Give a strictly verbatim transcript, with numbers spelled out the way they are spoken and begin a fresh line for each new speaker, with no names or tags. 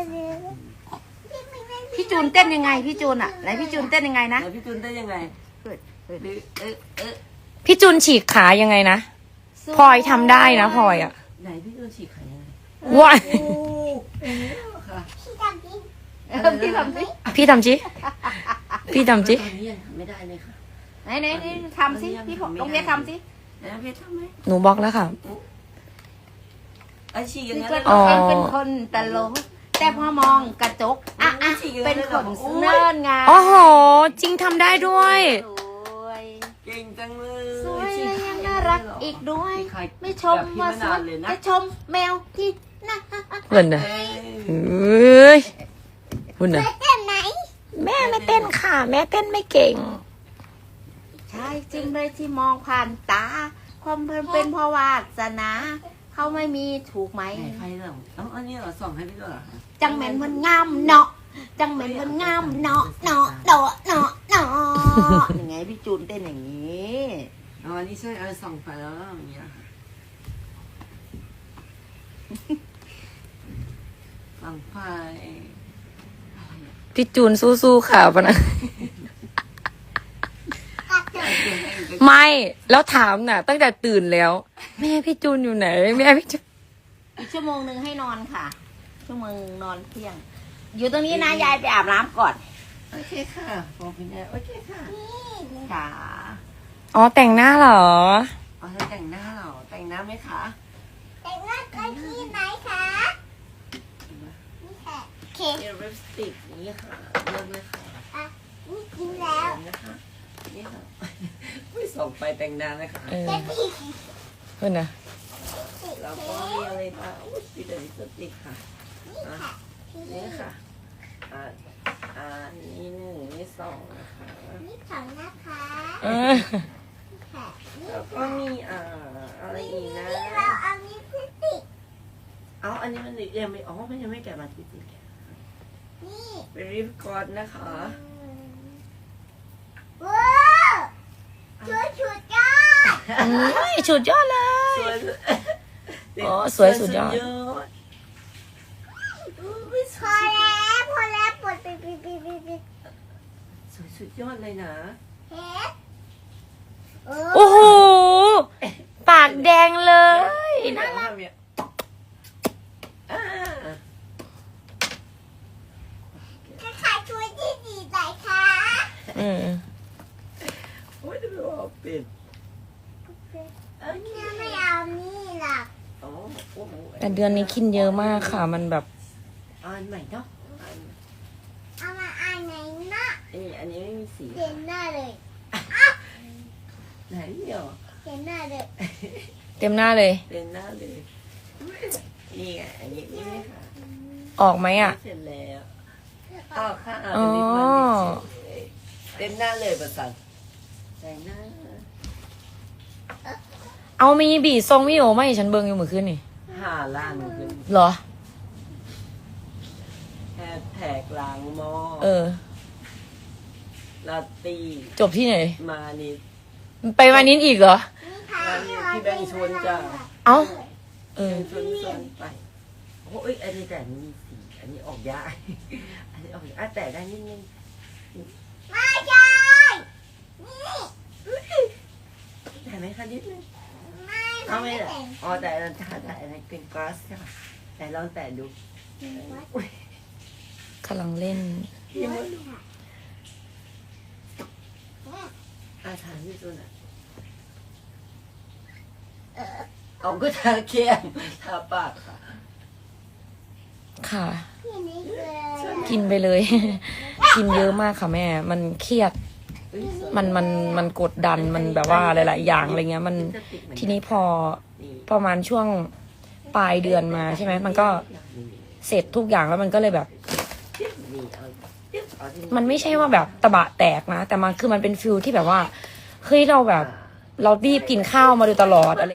พี่จูนเต้นยังไงพี่จูนอ่ะไหนพี่จูนเต้นยังไงนะ
ไหนพี่จูนเต้นยังไงเปิดเปิดเออเออ
พี่จูนฉีกขายังไงนะพลอยทำได้นะพลอยอ่ะ
ไหนพี่จูนฉีกขายังไง
ว้าย
ค่ะ
เออพี่ทำสิ
พี่ทำจิพี่ทำจิ
ตอนนี้ยังทำไม่ได้เลยค่ะ
ไหนไหนไหนทำสิพี่ลงเวียทำสิ
ไหนพี่ทำไหม
หนูบล็อกแล้วค่ะ
ไอฉีกอย่าง
พี่
นั้น
ก็
เลย
ต้
เหร
อง
อ
เป็นคนตลกแต่พอมองกระจกอ่ะอ่ะเป็นคนเนิร์ดไง
โอ้โหจริงทำได้ด้วย
สวย
เก่งจังเลย
สวยและยังน่ารักอีกด้วย ไม่ชมว่าสวยจะชมแมวที่น่า
เพื่อนนะเฮ้ยคุณนะแม่ไม่เต้นค่ะ แม่เต้นไม่เก่ง
ใช่จริงเลยที่มองผ่านตาความเพลินเป็นเพราะวาสนาเขาไม่มีถูกไหม
ไหนไฟเหรอเอ้าอันนี้เหรอส่องให้พี่ด้วยเหรอคะ
จังเหม็นมันงามเนาะจังเหม็นมันงามเนาะเนาะเนาะเนาะเนาะยังไงพี่จูนเต้นอย่างนี้
อ๋ออันนี้ใช่เออส่องไฟแล้วอย่างเงี้ยส่องไฟ
พี่จูนสู้ๆค่ะปะนะไม่แล้วถามน่ะ ตั้งแต่ตื่นแล้ว แม่พี่จูนอยู่ไหนแม่พี่จูน
อีกชั่วโมงหนึ่งให้นอนค่ะ ชั่วโมงนอนเที่ยง อยู่ตรงนี้นะยายไปอาบน้ำก่อน
โอเคค่ะบอกพี่แม่โอเคค่ะ
ค่ะ
อ๋อแต่งหน้าเหรอ
อ๋อเธอแต่งหน้าเหรอแต่งหน้าไหมคะ
แต่งหน้ากันที่ไหนคะนี่ค่ะโอเค
มีลิปสติกนี้ค่ะเลือกเลยค่ะ
อ่ะนี่กินแล้ว
นะคะนี่ค่ะไม่ส่งไปแต่งหน้าเลยค่ะ
เออ
เด็กพี่
เพื่อนนะ
แล้วก็มีอะไรบ้างอุ้ยมีแต่ลิปสติกค่ะ
นี่ค่ะพี่
นี่ค่ะอ่าอ่านี่หนึ่งนี่สองนะคะ
นี่ของนะคะ
เออ
นี่ค่ะนี่
แล้วก็มีอ่าอะไรอีกนะ
นี่เราเอานี่พิติก
เอาอันนี้มันยังไม่อ๋อมันยังไม่แกะมาที่จริง
นี่
เป็นริบกอนนะคะ
ว้าวชุดชุดยอด
อุ้ยสุดยอดเลย
สวย
อ๋อสวยสุดยอด
อุ๊ยส
พ
ว
อย แล้วพอแล้วปวดปิดปิดปิดปิดปิด
สวยสุดยอดเลยนะ
เฮ็ด
โอ้โห ปากแดงเลย
น่ารักเนี่ยอ่า
จะขายชุดที่ดีไหนคะ
อืม
โอ้ยจะไปว่าปิด
แม่ไม่เอานี่หรอก
อ๋อโอ้โห
แต่เดือนนี้กินเยอะมากค่ะ มันแบบ
อ่านใหม่เนาะอ่าน
เอามาอ่านไหนนะ
เอ้ยอันนี้ไม่มีสี
เห็นหน้าเลย
ไหนเดี๋ยว
เห็นหน้าเลย
เต็มหน้าเลย
เป็นหน้าเลยนี่ไงอันนี้นี่ไหมคะ
ออกไหมอ่ะ
เสร็จแล้วอ้าวค่ะ
อ๋อ
เป็นลิปมันเต็มหน้าเลยประสันแต่งหน้า
เอามีบีทรงวิโอมาให้ฉันเบิงอยู่เมื่อคืนนี่
หาล้านขึ้น
เหรอ
แฮชแท็กล้างหม้อ
เออ
ลาตี
จบที่ไหน
มานิด
ไปมานิดอีกเหรอ
นี่ค่ะ
พี่แบงค์ชวนจ้า
เอ้า เออ
ชวนชวนไปโอ้ยอันนี้แต่นี่มีสีอันนี้ออกยากอันนี้ออกยากอ่ะแต่ได้นิดนึง
ไม่ใช่นี่
ได้ไหมคะนิดนึง
ไม่
เอาไหม
ไม่
ล่ะ
แต่ง
อ๋อแต่ถ้าแต่อะไรเป็นกลาสค่ะแต่ลองแตะดูอุ้ย
กำลังเล่น
พี่มดอาถามพี่จุนอ่ะเอาก็ทาเข้มทาปากค่ะ
ค่ะ
พี่นี่คืออะไร
กินไปเลย กินเยอะมากค่ะแม่ มันเครียด
เอ้ยสวย
มันมันมันกดดัน มันแบบว่าหลาย ๆ อย่างอะไรเงี้ย มัน ทีนี้พอประมาณช่วงปลายเดือนมาใช่ไหม มันก็เสร็จทุกอย่างแล้วมันก็เลยแบบ มันไม่ใช่ว่าแบบตะบะแตกนะ แต่มันคือมันเป็นฟิลที่แบบว่า เฮ้ยเราแบบ เรารีบกินข้าวมาโดยตลอดอะไร